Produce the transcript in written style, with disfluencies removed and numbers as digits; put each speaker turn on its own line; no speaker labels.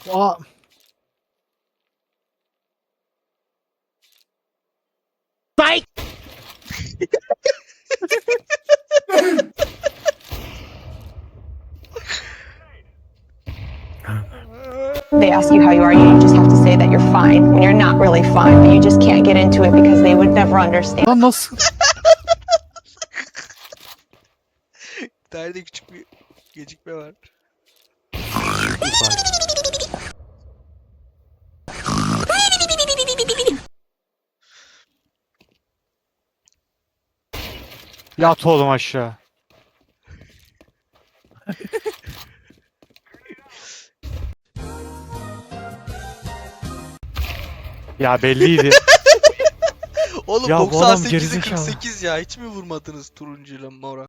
Aa. Psych!
They ask you how you are, you just have to say that you're fine when you're not really fine, but you just can't get into it because they would never understand.
Lan nasıl?
Nerede küçük bir gecikme var.
Yat oğlum aşağı. Ya belliydi.
Oğlum
Ya bu adam
98'e
gerizekalı.
48 ya. Hiç mi vurmadınız turuncuyla mora?